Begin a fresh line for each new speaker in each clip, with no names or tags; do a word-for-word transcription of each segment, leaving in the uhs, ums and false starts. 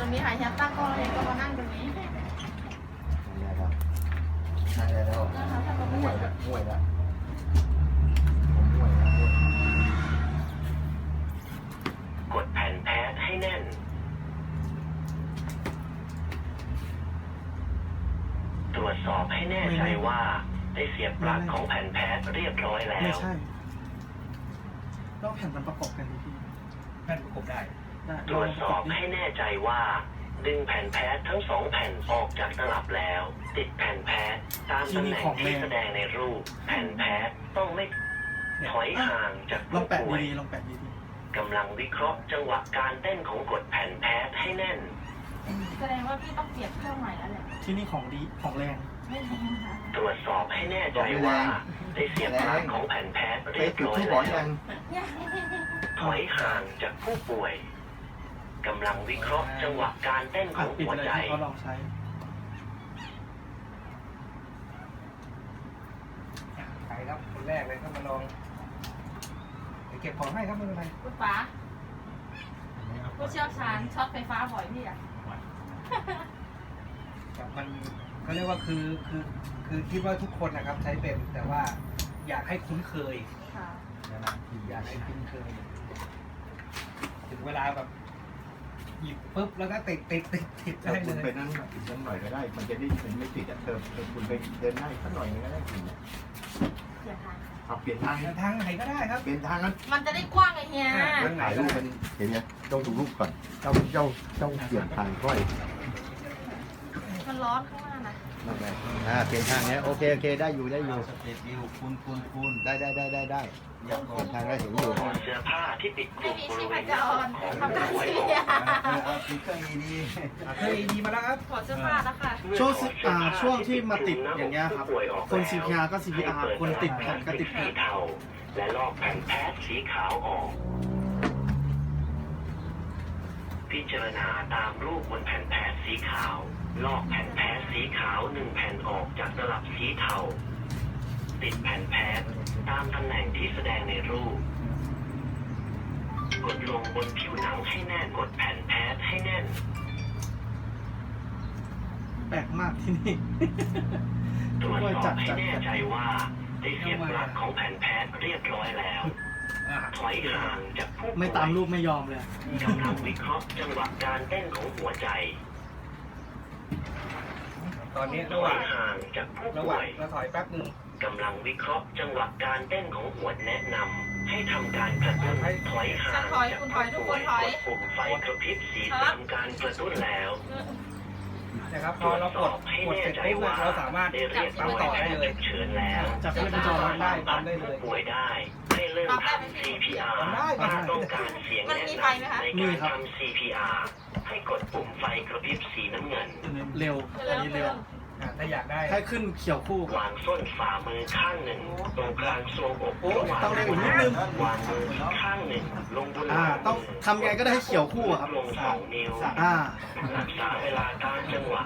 รงนี้หายแฮปตั้งกล้องเลยก็มานั่งตรงนี้
นั่นแหละครับนั่นแหละแล้ว
นะคะถ้าเราไม่
ห่ว
ได้
ยละห่วยละผมห่วยละห่วย
กดแผ่นแพทให้แน่นตรวจสอบให้แน่ใจว่าได้เสียบปลั๊กของแผ่นแพทเรียบร้อยแล้
ไม่
ว
ใช่ต้องแผ่นมันประกอบกันดีพี่
แผ่นประกบได้
ได้
ตรวจสอบให้แน่ใจว่า ดึงแผ่นแพททั้งสองแผ่นออกจากตลับแล้ว ติดแผ่นแพทตามตำแหน่งที่แสดงในรูป แผ่นแพทต้องไม่ถอยห่างจาก
ลอ
ผู้
งแปะ
ป่วย
ดีๆลองแปะดี
กำลังวิเคราะห์จังหวะการเต้นของกดแผ่นแพทให้แน่น
แสดงว่าพี่ต้องเปลี่ยนเครื่องใหม่แล้วแหละ
ๆที่นี่ของดีของแรง
ไม่แรงค่ะ
ตรวจสอบให้แน่ใจว่าได้เสียบปลั๊กของแผ่นแพท
ไป
เรียบ
จุด
ร้อย
ที่บอก
แล้
ยั
ว
ง
เนี่ย
ถอยห่างจากผู้ป่วยกำลังวิเคราะห์จังหวะการเต้นข
อ่ะ
อง
ปิด
หัว
เลย
ใจ
ให้เขาลองใช้
ใครครับคนแรกเลยครับมาลองเดี๋ยวเก็บของให้ครับไม่เป็นไร
คุณป๋าผู้เชี่ยวชาญช็อตไฟฟ้าบ่อยพี่อะ
ครับมันเขาเรียกว่าคือคือคือคิดว่าทุกคนนะครับใช้เป็นแต่ว่าอยากให้คุ้นเคย
ค่ะ
อยากให้คุ้นเคย ถึงเวลาแบบหยิบปุ๊บแล้วก็ติดติดติดติด
ถ้า
ได้
คุ
เล
ณ
ย
ไปนั่งอีกสักหน่อยก็ได้ มันจะได้มันไม่ติดอ่ะเติมเติมคุณไปเดินได้สักหน่อยนึงก็ได้คุณเนี่ย
เปลี่ยนทาง
เอาเปลี่ยนทาง
ทางไหนก็ได้ครับ
เปลี่ยนทางนั้น
มันจะได้กว้างไงเฮีย
แล้วถ่ายรูปมันเห็นไหมต้องดูรูปก่อนเจ้าเจ้าเจ้าเปลี่ยนทางค่อย
มันร้อนข้างหน้านะ
นั่นไงอ่าเปลี่ยนทางเนี้ยโอเคโอเคได้อยู่ได้อยู่
สเตจวิวคุณคุณคุณ
ได้ได้ได้ได้ได้เปลี่ยนทางได้เห็นอยู่
ถอดเสื้อผ้าที่ปิดก
ไม่
ลุ่ม
มี
บ
ชี
ริ
พ
เวณ
จร
ของ
ทำการ
ผู้ป่วย
เสีย
เอาสติ๊กเกอร์ดี
เคยดีมาแล้วครับ
ถอดเสื้อผ้าแล้วค่ะ
ช่วงสิอ่าช่วงที่มาติดอย่างเงี้ยครับ คน ซี พี อาร์ ก็ ซี พี อาร์ คนติดแผ่นก็ติด
สี
แผ่น
เทาและลอกแผ่นแพทสีขาวออก พิจารณาตามรูปบนแผ่นแพทสีขาว ลอกแผ่นแพทสีขาวหนึ่งแผ่นออกจากตลับสีเทาติดแผ่นแพทตามตำแหน่งที่แสดงในรูป กดลงบนผิวหนังให้แน่นกดแผ่นแพทให้แน่น
แปลกมากที่นี่
ตรวจ
ค่อย
ส
จั
อ
ด
บให้
จัด
แน่
จัด
ใจว่าได้เสียบปลั๊กของแผ่นแพทเรียบร้อยแล้ว
อ่า
ถอยห่างจากผู้ป่วย
ไม่ตามรูปไม่ยอมเลย
กำลังวิเคราะห์จังหวะการเต้นของหัวใจ
ตอนนี้
ถ
ระห
อ
ว่าง
ยห่างจากผู้
ระห
ป่
ว่า
ว
ง
ย
เราถอยแป๊บหนึ่ง
กำลังวิเคราะห์จังหวะการเต้นของหัวแนะนำให้ทำการกระตุ้นถอยห่างจากผู้ป่วยกดปุ่มไฟกระพริบสีทำการกระตุ้นแล้ว
นะครับพ
ตร
อ
วจ
เรา
ส
ก
อ
ด
บให้
กด
แน่
เสร็จ
ใจ
ปุ๊บ
ว่า
เราสามารถ
ได้เรียกหน่วยแพทย์ฉุกเฉินแล้ว
จับเพื่อนไปจอ
สา
ได้
มารถปั๊มผู้ป่วยได้ให้เริ่มทำ ซี พี อาร์ ถ้าต้องการเสียงแนะนำในการทำ ซี พี อาร์ ให้กดปุ่มไฟกระพริบสีน้ำเงิน
เร็วอันนี้เร็ว
อ่าถ้าอยากได้
ให้ขึ้นเขียวคู่
วางส้นฝ่ามือข้างหนึ่งตรงกลางทรวงอก
โอ้
ระหว่าง
ต้องเร็วอีกนิดนึง
วางมืออีกข้างหนึ่งลงบน
อ่า ต้องทำยังไงก็ได้ให้เขียวคู่อะครับ
ลงสองนิ้ว
อ่า
รักษาเวลาตามจังหวะ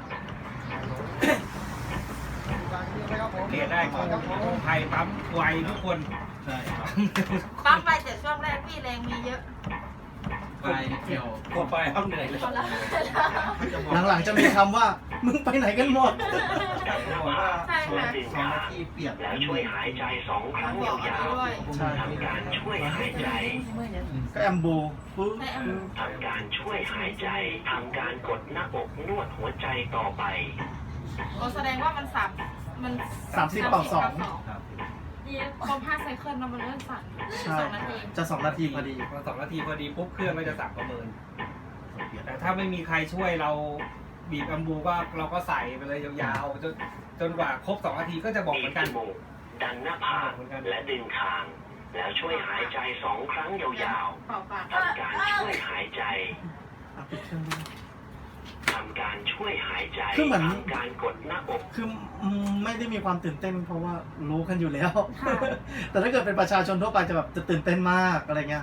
เรียนได้ของของไทยปั๊มไวทุกคน
ๆใช่ครับ
ปั๊มไปแต่ช่วงแรกพี่แรงมีเยอะ
ไปเกี่ยว
กดไปเอาเหนื่อยเลย
พอแล้ว
หลังๆจะมีคำว่า มึงไปไหนกันหมด
จับหน้าผาก
ใช่
และ
ค่ะ
ดึง
สอง
ขา
นาทีเปียก
แล้วช่วยหายใจสองครั้งยาว
ด้วย
ใช่
ๆทำการช่วยหายใจ
ก็แอมโบปึ๊บ
ให้แอม
ทำการช่วยหายใจ ทำการกดหน้าอกนวดหัวใจต่อไป
โอ้แสดงว่ามันสับมัน
สามสิบต่อสอง
ครับ
ดีครบห้าไซเคิลแล้วมันเริ่มสั่น
ใช่
สองนาที
จะสองนาทีพอดี
พอสองนาทีพอดีปุ๊บเครื่องก็จะสั่งประเมิน แต่ถ้าไม่มีใครช่วยเราบีบอัมบูก็เราก็ใส่ไปเลยยาวๆจนจนกว่าครบสองนาทีก็จะบอก
บี
เหมื
บ
อนกัน
จมูกดันหน้าผากและดึงคาง แล้วช่วยหายใจสองครั้งยาว
เป่าปาก
ๆทำการช่วยหายใจ
อ่ะปิดเครื่องด้วย
ทำการช่วยหายใจ
คือเหมือน
ทำการกดหน้าอก
คืออืมไม่ได้มีความตื่นเต้นเพราะว่ารู้กันอยู่แล้ว
ค่ะ
แต่ถ้าเกิดเป็นประชาชนทั่วไปจะแบบจะตื่นเต้นมากอะไรเงี้ย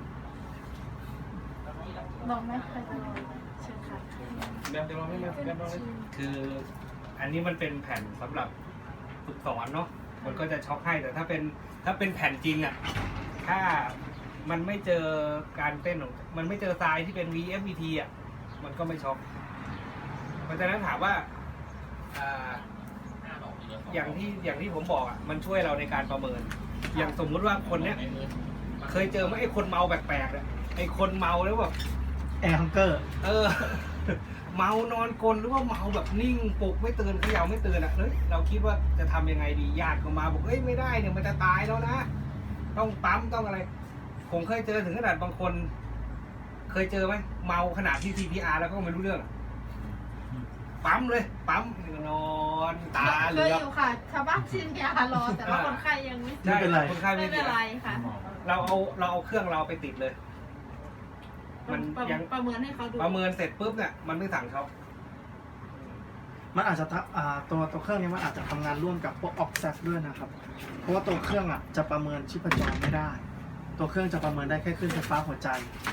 ลองไหมใครจะลองเชิญค่ะ
แบบเดียวไม่แบบแบบคืออันนี้มันเป็นแผ่นสำหรับฝึกสอนเนาะมันก็จะช็อกให้แต่ถ้าเป็นถ้าเป็นแผ่นจริงอ่ะถ้ามันไม่เจอการเต้นของมันไม่เจอทรายที่เป็น วี เอฟ วี ที อ่ะมันก็ไม่ช็อกเพราะฉะนั้นถามว่าอ่าอย่างที่อย่างที่ผมบอกอ่ะมันช่วยเราในการประเมิน อย่างสมมุติว่าคนเนี้ยเคยเจอไหมไอ้คนเมาแปลกๆเนี่ยไอ้คนเมาแล้วแบบ
แอร์ฮังเกอร์
เออ เมานอนกลนหรือว่าเมาแบบนิ่งปลุกไม่ตื่นเขย่าไม่ตื่นอ่ะเฮ้ยเราคิดว่าจะทำยังไงดีญาติก็มาบอกเอ้ยไม่ได้เนี่ยมันจะตายแล้วนะต้องปั๊มต้องอะไร ผมเคยเจอถึงขนาดบางคน เคยเจอไหมเมาขนาดที่ ซี พี อาร์ แล้วก็ไม่รู้เรื่องอะปั๊มเลยปั๊มนอนตาเห
เค
ลื
ย
อ
อยู่ค่ะชาวบ้านชินยารอแต่ว่าคนไข้ยังไม่
ไม่เป็นไร
คนไข้
ไม่
ไม่
เป็
เป็น น
ไร
ไร
ค่ะ
เราเอาเราเอาเครื่องเราไปติดเลย มัน
ประ
ยัง
ประเมินให้เขาดู
ประเมินเสร็จปุ๊บเนี่ยมันไม่สั่งช็อป
มันอาจจะทำอ่าตัวตัวเครื่องนี้มันอาจจะทำงานร่วมกับพวกออกแซฟด้วยนะครับ เพราะว่าตัวเครื่องอ่ะจะประเมินชีพจรไม่ได้ ตัวเครื่องจะประเมินได้แค่คลื่นไฟฟ้าหัวใจ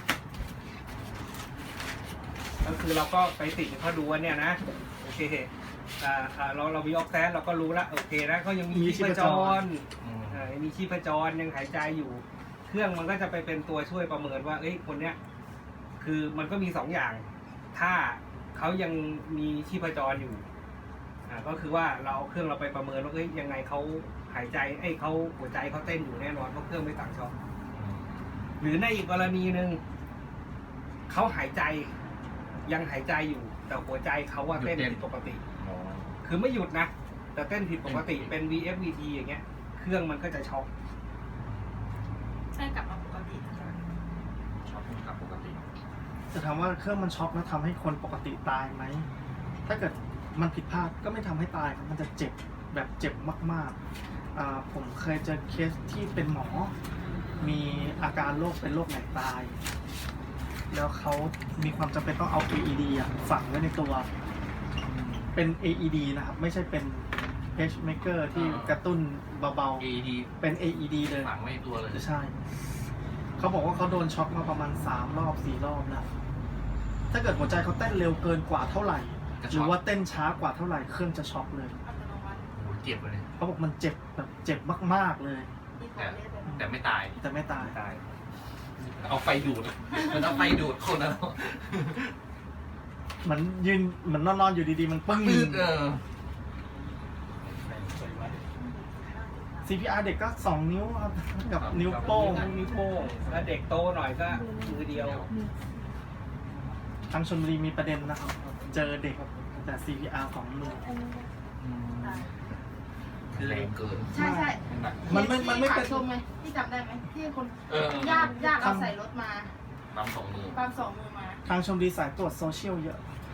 ก็คือเราก็ไปติดเขาดูว่าเนี่ยนะโอเคอ่าอ่าเราเรามีออกแซนเราก็รู้ละโอเคนะเขายังมี
มี
ชีพจร
อืม
อ่ามีชีพจรยังหายใจอยู่ เครื่องมันก็จะไปเป็นตัวช่วยประเมินว่าเอ้ยคนเนี้ยคือมันก็มีสองอย่าง ถ้าเขายังมีชีพจรอยู่อ่าก็คือว่าเราเอาเครื่องเราไปประเมินว่าเอ้ยยังไงเขาหายใจเอ้ยเขาหัวใจเขาเต้นอยู่แน่นอนเพราะเครื่องไม่สั่งช็อปหรือในอีกกรณีหนึ่งเขาหายใจยังหายใจอยู่ แต่หัวใจเขาว่าเต้นผิดปกติ
อ๋อ
คือไม่หยุดนะ แต่เต้นผิดปกติเป็น วี เอฟ วี ที อย่างเงี้ย เครื่องมันก็จะช็อก
ใช่กลับมาปกติ
ชอบกับปกติ
จะถามว่าเครื่องมันช็อกแล้วทำให้คนปกติตายไหม ถ้าเกิดมันผิดพลาดก็ไม่ทำให้ตายครับมันจะเจ็บแบบเจ็บมากๆอ่าผมเคยเจอเคสที่เป็นหมอ มีอาการโรคเป็นโรคไหนตาย แล้วเขามีความจำเป็นต้องเอา เอ อี ดี อ่ะฝังไว้ในตัว เป็น เอ อี ดี นะครับ ไม่ใช่เป็น pacemaker ที่กระตุ้นเบา
เอดี
ๆ เป็น เอ อี ดี เลย
ฝังไว้ในตัวเลย
ใช่ เขาบอกว่าเขาโดนช็อกมาประมาณสามรอบสี่รอบแล้ว ถ้าเกิดหัวใจเขาเต้นเร็วเกินกว่าเท่าไหร่ หรือว่าเต้นช้ากว่าเท่าไหร่เครื่องจะช็อกเลย
อัตโนมัติ
โอ้โหเจ็บเลย
เขาบอกมันเจ็บแบบเจ็บมากๆเลย
ที่ขอเรียกเลย
แต่ไม่ตาย
แต่ไม่ตาย
ตาย
เอาไฟดูดมันเอาไฟดูดคนแล้ว
เหมือนยืนเหมือนนอนๆอยู่ดีๆ มันปึ้ง
ปืดเออ
ซี พี อาร์ เด็กก็สองนิ้วครับกับนิ้วโป้ง
นิ้วโป้งแล้วเด็กโตหน่อยก็มือเดียว
ทางชลบุรีมีประเด็นนะครับ เจอเด็กแต่ ซี พี อาร์ สองมือ
คือแรงเกิน
ใช่ใช่
มันไม่มันไม่เป็น
ที่ชมไหมที่จำได้ไหมที่คน
เออ
ญาติญาติเอาใส่รถมา
ปั๊มสองมือ
ความสองมือมา
ทางชลบุรีสายตรวจโซเชียลเยอะ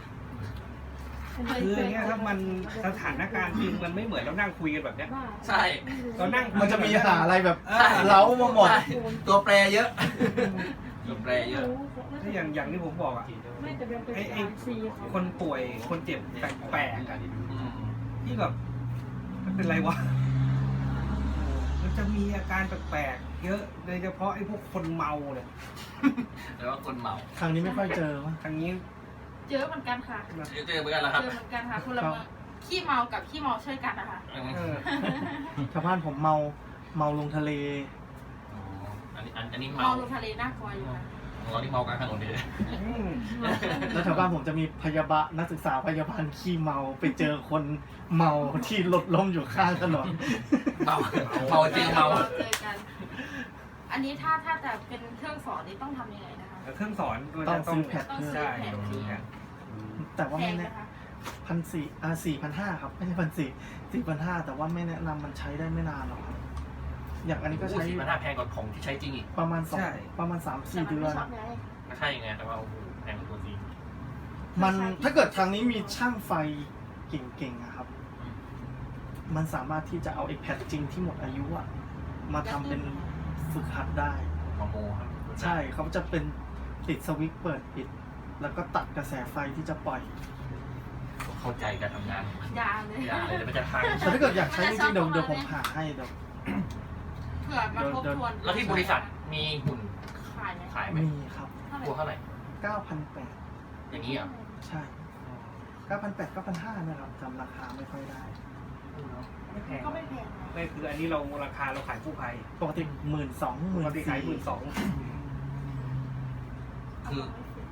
คืออย่างเงี้ยครับมันสถานการณ์จริงมันไม่เหมือนเรานั่งคุยกันแบบเนี้ย
ใช่
เรานั่งคุย
มันจะมีหาอะไรแบบ
เออ
เล้ามาหมด
ใช่ตัวแปรเยอะตัวแปรเยอะ
ถ้าอย่างอย่างที่ผมบอกอ่ะไอ้ไอ้คนป่วยคนเจ็บแปลกๆอะ
อืม
ที่แบบมันเป็นไรวะ มันจะมีอาการแปลกๆเยอะโดยเฉพาะไอ้พวกคนเมาเนี่ย
แล้วก็คนเมา
ทางนี้ไม่ค่อยเจอวะ
ทางนี้
เจอเหมือนกันค่ะ
เจอเจอเหมือนกันแล้วครับ
เจอเหมือนกันค่ะคนละเมืองขี้เมากับขี้เมาช่วยกันนะคะ
เออ
ชาวบ้านผมเมาเมาลงทะเล
อ๋ออันนี้อันอันนี้
เมา
เมา
ลงทะเลน่ากลัวอยู่นะ
ของเราที่เมากลางถนนเลย
อืม
แล้วแถวบ้านผมจะมีพยาบาลนักศึกษาพยาบาลขี้เมาไปเจอคนเมาที่รถล้มอยู่ข้างถนน
เมาเมาจริงเมา
เจอกัน อันนี้ถ้าถ้าจะเป็นเครื่องสอนนี่ต้องทำยังไงนะคะ
เครื่องสอนมัน
ต้อ
จะ
ง
ต้อ
ซื้
ง
อแผ่น
ต้อง
เพิ่ม
ซื้อ
ใช่
แผ่น
ต้องซื้อแผ่น
แต่ว่า
แพ
ไม่
งไหม
แนะ
คะ
พันสี่อ่าสี่พันห้าครับไม่ใช่พันสี่สี่พันห้าแต่ว่าไม่แนะนำมันใช้ได้ไม่นานหรอกครับอย่างอันนี้ก็ใช้
สี่พันห้าแพงกว่าของที่ใช้จริงอีก
ประมาณสอง
ใช่
ประมาณสาม
แต่
สี่
มัน
เดือ
ไม่
น
ช็อตไง
ก็ใช่ไงแต่ว่าโอ้โหแพงกว่าตัวจริง
มันถ้าเกิดทางนี้มีช่างไฟเก่งๆอะครับ มันสามารถที่จะเอาไอ้แพดจริงที่หมดอายุอะมาทำเป็นฝึกหัดได้
มาโมครับ
ใช่เขาจะเป็นติดสวิตช์เปิดปิด แล้วก็ตัดกระแสไฟที่จะปล่อย
เข้าใจการทำงาน
ยาเลย
อย่าเลยเดี๋ยวมันจะพัง
แต่ถ้าเกิดอยากใช้จริงๆเดี๋ยวเดี๋ยวผมหาให้เดี๋ยว
เผื่อมาทบทวน
แล้วที่บริษัทมีหุ่น
ขายไหม
ขายไหม
มีครับ
เท่าไหร่
ตัวเท่าไหร่
เก้าพันแปด
อย่างนี้เหรอ่ะ
ใช่เก้าพันแปดเก้าพันห้านะครับจำราคาไม่ค่อยได้
ไม่แพง
ก็ไม่แพงนะ
ไม่คืออันนี้เราราคาเราขายผู้ภัย
ปกติหมื่นสองห
ป
มื่น
กติขายหมื่
สี่
นสอง
คือ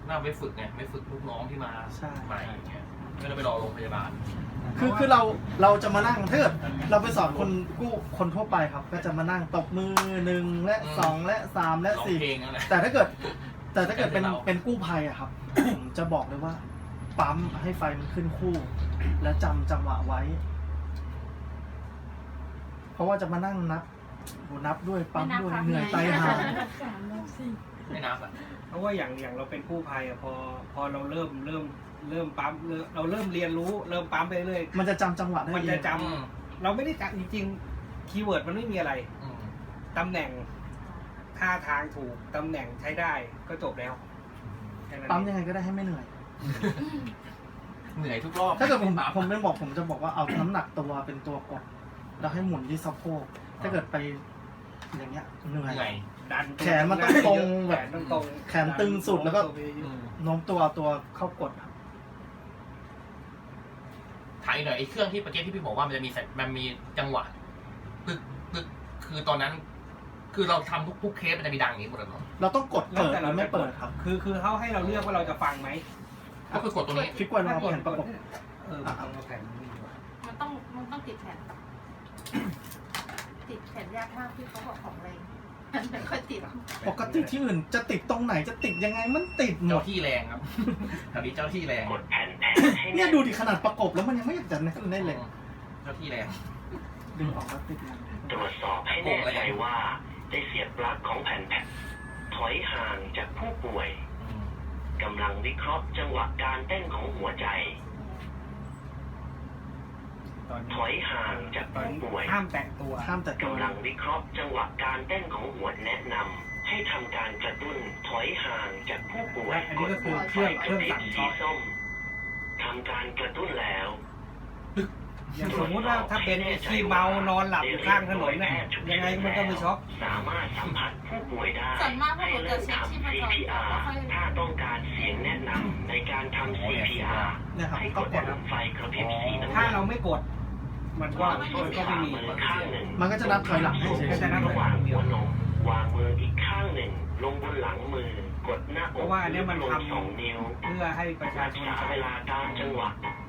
น่าไปฝึกไงไม่ฝึกลูกน้องที่มา
ใช่
ใหม่อย่างเงี้ยไม่ต้องไปรอโรงพยาบาล
คือคือเราเราจะมานั่งถ้าเกิดเราไปสอนคนกู้คนทั่วไปครับ ก็จะมานั่งตบมือหนึ่งและสองและสามและ
ร้อง
สี่
เพลงนั่นแหละ
แต่ถ้าเกิด แต่ถ้าเกิดเป็น
แต่เรา
เป็นกู้ภัยอะครับ ผมจะบอกเลยว่า ปั๊มให้ไฟมันขึ้นคู่ แล้วจำจังหวะไว้ เพราะว่าจะมานั่งนับโหนับด้วยปั๊มด้วยเหนื่อยไตหา
ไม่นับอ่ะ
เพราะว่าอย่างอย่างเราเป็นกู้ภัยอะพอพอเราเริ่มเริ่มเริ่มปั๊มเริ่มเราเริ่มเรียนรู้เริ่มปั๊มไปเรื่อย
มันจะจำจังหวะได้
มัน
เอ
จะ
ง
จำเราไม่ได้จำจริงๆคีย์เวิร์ดมันไม่มีอะไร
อืม
ตำแหน่งท่าทางถูกตำแหน่งใช้ได้ก็จบแล้วแค่นั้น
ปั๊ม
เอ
ยัง งไงก็ได้ให้ไม่เหนื่อย
เหนื่อยทุกรอบ
ถ้าเกิดผมผมเป็นบอกผมจะบอกว่าเอาน้ำหนักตัวเป็นตัวกด แล้วให้หมุนที่สะโพกถ้าเกิดไปอย่างเงี้ยเหนื่อย
เหนื่อย
ดัน
แขนมันต้องตรงแบบ
แขนต้องตรง
แขนตึงสุดแล้วก็
อืม
โน้มตัวเอาตัวเข้ากดครับ
ถามอีกหน่อยไอ้เครื่องที่เมื่อกี้ที่พี่บอกว่ามันจะมีสัญมันมีจังหวะตึกตึกคือตอนนั้น คือเราทำทุกทุกเคสมันจะมีดังอย่างนี้หมดเลยเหรอ
เราต้องกดเปิดหรือไม่เปิดครับ
คือคือเขาให้เราเลือกว่าเราจะฟังไหม
ก็คือกดตรงนี้
คลิกไว้เราแผ่นประกบ
เออเอาแผ่นนี้ดีกว่า
มันต้องมันต้องติดแผ่น ติดแผ่นยากมากที่เขาบอกของแรงมันไม่ค่อยติด
ปกติที่อื่นจะติดตรงไหนจะติดยังไงมันติดหม
เจ้า
ด
ที่แรงครับ แถวนี้เจ้าที่แรง
กดแผ่นแผนให้
เนี่
แน่
ย
น
ดูดิขนาดประกบแล้วมันยังไม่อยากจะแน่นได้เลย
เจ้าที่แรง
ดึงออกแล้วติดยัง
ตรวจสอบให้แน่ใจว่าได้เสียบปลั๊กของแผ่นแผ่นถอยห่างจากผู้ป่วย
อืม
กำลังวิเคราะห์จังหวะการเต้นของหัวใจ
ตอน
ถ
นี้
อยห่างจาก
ตอน
ผู้
นี้
ป่วย
ห้ามแตะตัว
ข้ามแต่ตัว
กำลังวิเคราะห์จังหวะการเต้นของหัวแนะนำให้ทำการกระตุ้นถอยห่างจากผู้ป่วย
อันนี้ก็คือเครื่องเครื่องสั่ง
สี
ช็อต
ส้มทำการกระตุ้นแล้ว
อย่างสมมุติว่าถ้าเป็นที่เมานอนหลับอยู่ข้างถนนเนี่ยยังไงมันก็ไม่ช็อก
สามารถสัมผัสผู้ป่วยได้
ส่วนมากพวกหนูจะเช็คชีพจร
ซี
ก่อน
พี
แล้ว
อาร์
ค่อย
ถ้าต้องการเสียงแนะนำในการทำ ซี พี อาร์
เนี่ยครับ
ให้ก
ก็
ด
กดครับ
ไฟกระพริบสีน้ำ
ถ้า
เงิน
เราไม่กด มันก็
วาง
มัน
ส่วน
ก็
ข
ไม่
วา
มี
มือข้างหนึ่ง
มันก็จะนับถอยหลังให้เฉย
ก็จะนับ
ระหว่างหัวนมวางมืออีกข้างหนึ่ง ลงบนหลังมือกดหน้า
เพ
อก
ราะว่าอันเนี้ยมัน
ลง
ทำ
สองนิ้ว
เพื่อให้ประชา
รัก
ชน
ษา
เขา
เวลาตามจังหวะ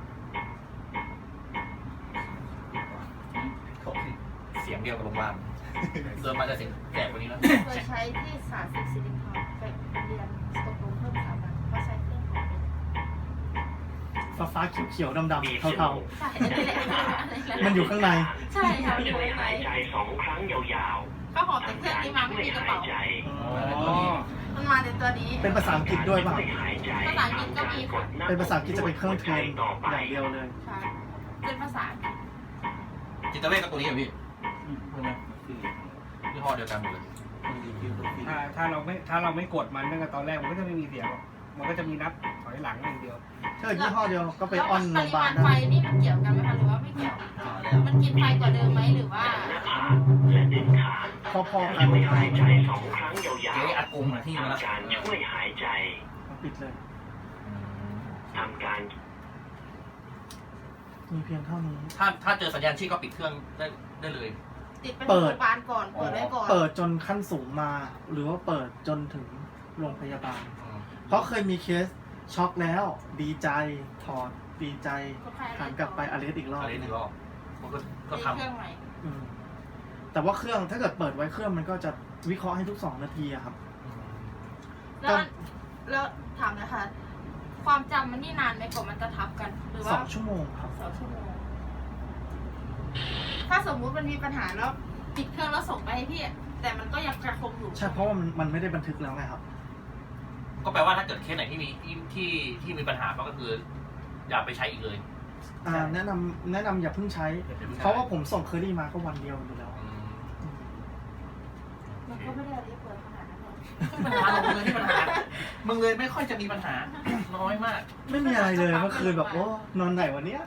เสียงเดียวกับโรงพยาบาลเดินมาจะเสียงแก่กว่านี้แล้ว
เคยใช้ที่สาธิตศิริพรไปเรียนสตกลงเพิ่มสามวันเขาใช้เครื่องของ
ฟ้าฟ้าๆเขียวๆดำๆเทา
ใช่อันนี้แหละ
ๆมันอยู่ข้างใน
ใช่ค่ะมันอยู่
ช่วย
ข้างใน
หายใจสองครั้งยาว
ก็หอบแต่เครื่องนี้มาไม่มีกระเป๋า
ช่วยหายใจ
อ๋อ
มันมาในตัวนี้
เป็นภาษาอังกฤษด้วยป่ะ
ช่วยหายใจ
ภาษาอังกฤษก็มีค่ะ
เป็นภาษาอังกฤษจะเป็นเครื่องเทรน
ต่อไป
อย่างเดียวเลย
ใช่เป็นภาษาอังกฤษ
จิตเวชกับตัวนี้เหรอพี่ใช่ไหมยี่ห้อเดียวกันหมดเลย
ถ้าถ้าเราไม่ถ้าเราไม่กดมันตั้งแต่ตอนแรกมันก็จะไม่มีเสียงหรอกมันก็จะมีนับถอยหลังอย่างเดียว
ถ้าเกิดยี่ห้อเดียวก็ไปออนโรงพยาบาล
แล้วปริมาณไฟ
ได้
นี่มันเกี่ยวกันไหมคะหรือว่าไม่เกี่ยว มันกินไฟกว่าเดิมไหมหรือว่า
หน้าผากและดึงขา
พอๆกัน
ช่วยหายใจสองครั้งยาว
เจ๊อัดกงมาที่มาแล้ว
ทำการช่วยหายใจ
ปิดเลย
ทำการ
มีเพียงเท่านี้
ถ้าถ้าเจอสัญญาณชีพก็ปิดเครื่องได้ได้เลย
ติดเป็น
เปิ
โร
ด
งพยาบาลก่อน เปิดไว้ก่อน
เปิดจนขั้นสูงมา หรือว่าเปิดจนถึงโรงพยาบาล เพราะเคยมีเคสช็อกแล้ว ดีใจถอดดีใจหันกลับไปอเลสอีกรอบ
อะไรหนึ่งรอบมันก็ก็
มี
ทำ
เครื่องใหม่
อืมแต่ว่าเครื่องถ้าเกิดเปิดไว้เครื่องมันก็จะวิเคราะห์ให้ทุกสองนาทีอะครับ
แล้วมันแล้วถามนะคะ ความจำมันนี่นานไหมกว่ามันจะทับกัน หรือ
ส
ว่า
องชั่วโมงครับ
สองชั่วโมง ถ้าสมมุติมันมีปัญหาแล้วปิดเครื่องแล้วส่งไปให้พี่ แต่มันก็ยังกระคงอยู่
ใช่เพราะว่ามันมันไม่ได้บันทึกแล้วไงครับ
ก็แปลว่าถ้าเกิดเคสไหนที่มีที่ที่ที่มีปัญหาก็คือ อย่าไปใช้อีกเลย
อ่าแนะนำแนะนำอย่าเพิ่งใช้ เพราะว่าผมส่งเคอรี่มาก็วันเดียวอยู่แล้ว
อืม
อืม
มันก็ไม่ได้เรียกเปิดขนาดนั้นหรอก
ปัญหาของมึงเลยที่ปัญหา มึงเลยไม่ค่อยจะมีปัญหา น้อยมาก
ไม่มีอะไรเลยเมื่อคืนแบบโอ้นอนไหนวันเนี้ย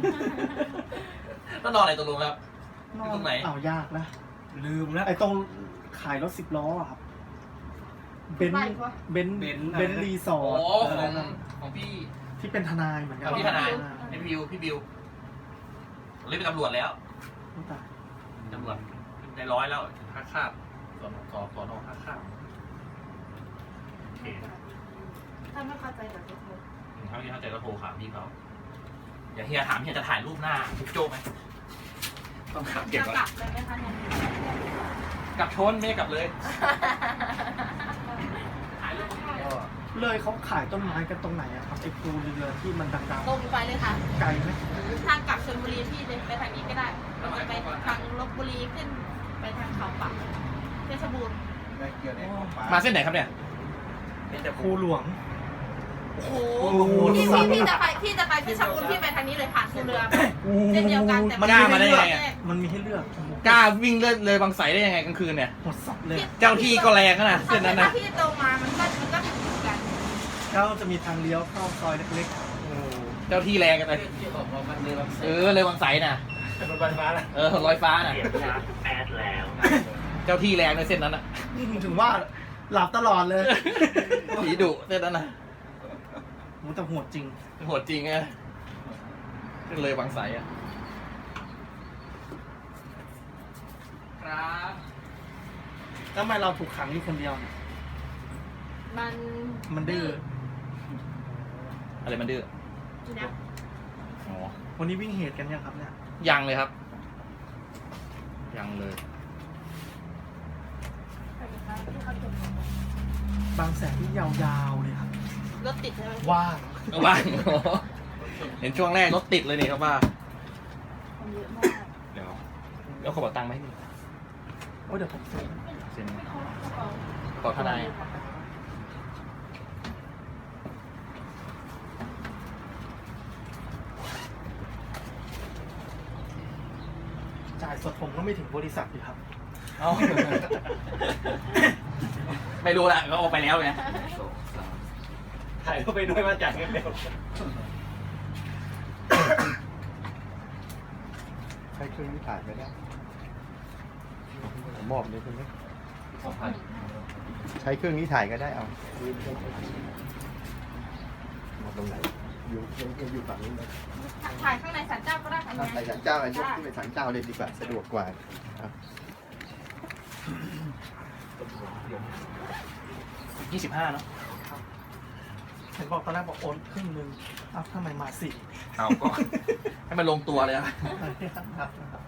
แล้วนอนอะไรตกลงแล้ว
นอน
ตรงไหน
เอายากนะ
ลืมแล้ว
ไอ้ตรงขายรถสิบล้ออะครับเบน
ไป
ซ์
ปะ
เบนซ์
เบนซ์
เบนซ์รีสอ
โอ้
ร์ท
ข
อะไร
อง
นั่น
ของพี่
ที่เป็นทนายเหมือนกั
ข
น
องพี่ทนาย
อ่
พี่บิวพี่บิวเรียกเป็นตำรวจแล้ว
โอ้ตาย
ตำรวจในร้อยแล้วท่าข้ามสอนสอนสอนอท่าข้ามโอเค
ถ้าาไม่เข้าใจเดี๋ยวจะโทร
ถ้าไม่เข้าใจก็โทรถามพี่เขาเดี๋ยวเฮียถามเฮียจะถ่ายรูปหน้าทุกโจ้ไหมต้องถามเก็บ
จะ
ก่อน
กลับเลยไหมคะเนี่ย
กลับชนไม่ได้กลับเลยถ่ายรูป
ก็
เลยเขาขายต้นไม้กันตรงไหนอะครับไอ้ปูเรือที่มันดัง
ตรงไปเลยค่ะ
ๆไกลไหม
ทางกลับชลบุรีพี่เลยไปทางนี้ก็ได้เราจะไปทางลบบุรีขึ้นไปทางเขาปักเพชรบูรณ์
ได้เกี่ยวในของปลา
มาเส้นไหนครับเนี่ย
เป็นแต่ภูหลวง
โอ้โห
โอ้โห
พี่พี่พี่จะไปพี่จะไปเพชรบูรณ์พี่ไปทางนี้เลยผ่านคูเรือเช่นเดียวกันแต่
มันกล้ามาได้ยังไงอะ
มันมีให้เลือก
กล้าวิ่งเลยเลยบางไสได้ยังไงกลางคืนเนี่ย
หมดสับเลย
เจ้าที่ก็แรงนะ
ถ้า
เส้นนั้นนะ
พี่ตรงมามันก็มันก็ถึงกัน
แล้วจะมีทางเลี้ยวเข้าซอยเล็ก
โอ้เจ้าที่แรงกันเลย
ที่บอกว่ามันเลยบาง
เออเลยบางไสน่ะ
รถไฟฟ้านะ
เออลอยฟ้าน่ะ
เสียบชาร์จแพทแล้ว
เจ้าที่แรงในเส้นนั้นน่ะ
ๆถึงว่าหลับตลอดเลย
ผีดุเส้นนั้นน่ะ
มันแต่โหดจริง
โหดจริงอะเลยบางไสอะครับ
แล้วทำไมเราถูกขังอยู่คนเดียวเนี่ย
มัน
มันดื้อ
อะไรมันดื้อ
นะ
อ๋อ
วันนี้วิ่งเหตุกันยังครับเนี่ย
ยังเลยครับ ยังเลย
บางแสนที่ยาวๆเลยครับ
รถติดใช่ไหม
ว่าง
ว่าง เห็นช่วงแรกรถติดเลยนี่ครับว่า
มันเยอะมาก
เดี๋ยวเอากระเป๋าตังค์มาให้พี่
โอ้ยเดี๋ยวผมซื้อ
เซ็น
ไม่เขากระเป๋า
ขอทนาย
จ่ายสดผมก็ไม่ถึงบริษัทดีครับ
เอา ไม่รู้ละก็เอาไปแล้วไง
ถ่ายเข้าไปด้วยมาจ่ายเงินเร็ว
ใช้เครื่องนี้ถ่ายไม่ได้ผมมอบเลยคุณไหม
สองพัน
ใช้เครื่องนี้ถ่ายก็ได้เอามาตรงไหน อยู่อยู่อยู่ฝั่งนี้นะ
ถ่ายข้างในศาลเจ้าก็ได้ค่ะ
ไปศาลเจ้าไอ้ยกขึ้นไปศาลเจ้าเลยดีกว่าสะดวกกว่าครับ
ยี่สิบห้าเนาะ
เห็นบอกตอนแรกบอกโอนครึ่งนึงอ้าวทำไมมาสี่
เอาก็ ให้มันลงตัวเลยอะ
ครับ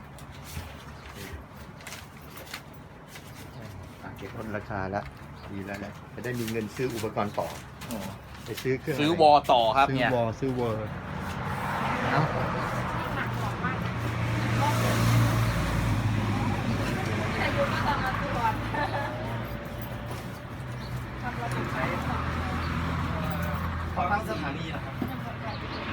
อ่ะเก็บลดราคาแล้วดีแล้วแหละจะได้มีเงินซื้ออุปกรณ์ต่อไปซื้อเครื่อง
ซื้อวอต่อครับ
ซื้อ
เนี่ยว
อซื้อวอล
เอ้า
หนักของมากแต่ยุก็ต้องมาตรวจทำรถไฟ
ขอตั้งสถานีนะครับ
ไ